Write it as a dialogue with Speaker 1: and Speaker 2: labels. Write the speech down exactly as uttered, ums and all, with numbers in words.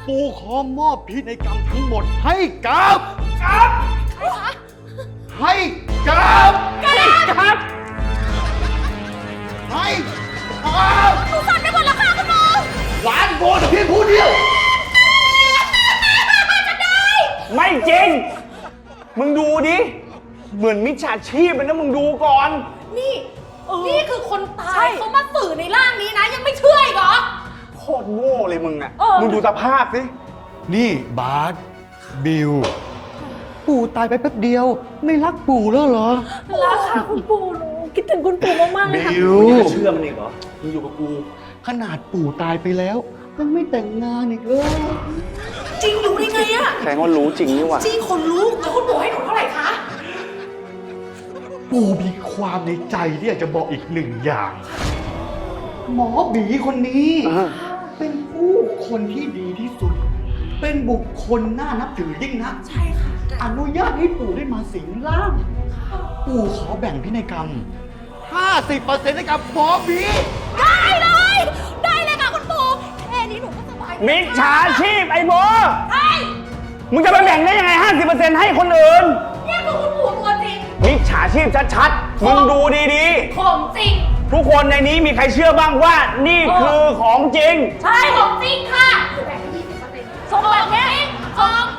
Speaker 1: ปู่ขอมอบพินัยกรรมทั้งหมดให้กับกับให้กับกับให้กับ
Speaker 2: หนูสั่นไปหมดแล้วค่ะคุณหมอ
Speaker 1: หลานโบแต่เพียงผู้เดียว
Speaker 3: ไม่จริง มึงดูดิ เหมือนมิจฉาชีพเลยนะมึงดูก่อน
Speaker 2: นี่ นี่คือคนตายเขามาสื่อในร่างนี้นะ ยังไม่เชื่ออีกเหรอ
Speaker 3: โคตรโง่เลยมึงอะ
Speaker 2: เออ
Speaker 3: มึงดูสภาพสิ
Speaker 1: นี่บาสบิว ปู่ตายไปแป๊บเดียว ไม่รักปู่แล้วเหรอ
Speaker 2: รักค่ะคุณปู่หนูคิดถึงคุณปู่มากๆเลยค่ะ
Speaker 1: บิว
Speaker 3: มึงจะเชื่อมันอีกเหรอ มึงอยู่กับกู
Speaker 1: ขนาดปู่ตายไปแล้วยังไม่แต่งงานอีกเลย
Speaker 2: จริงรู้ได้ไงอะ
Speaker 3: แสดงว่ารู้จริงนี่หว่า
Speaker 2: จริงคนรู้แล้วคุณปู่ให้หนูเท่าไหร่คะ
Speaker 1: ปู่มีความในใจที่อยากจะบอกอีกหนึ่งอย่าง หมอบีคนนี้
Speaker 3: อ่า
Speaker 1: เป็นผู้คนที่ดีที่สุด เป็นบุคคลน่านับถือยิ่งนัก
Speaker 2: ใช่ค่ะ
Speaker 1: อนุญาตให้ปู่ได้มาสิงร่าง ปู่ขอแบ่งพินัยกรรม ห้าสิบเปอร์เซ็นต์ให้กับหมอบี
Speaker 2: ได้เลย ได้เลยค่ะคุณปู่แค่นี้หนูก็สบาย
Speaker 3: มิจฉาชีพไอ้โบ
Speaker 2: ใช่
Speaker 3: มึงจะไปแบ่งได้ยังไง ห้าสิบเปอร์เซ็นต์ ให้คนอื่น
Speaker 2: เนี่ยคือคุณปู่ตัวจริง
Speaker 3: มิจฉาชีพชัดๆ มึงดูดี
Speaker 2: ของจริง
Speaker 3: ๆ ทุกคนในนี้มีใครเชื่อบ้างว่านี่คือของจริง
Speaker 2: ใช่ของจริงค่ะแบ่งยี่สิบเปอร์เซ็นต์ส่งแบบนี้ของ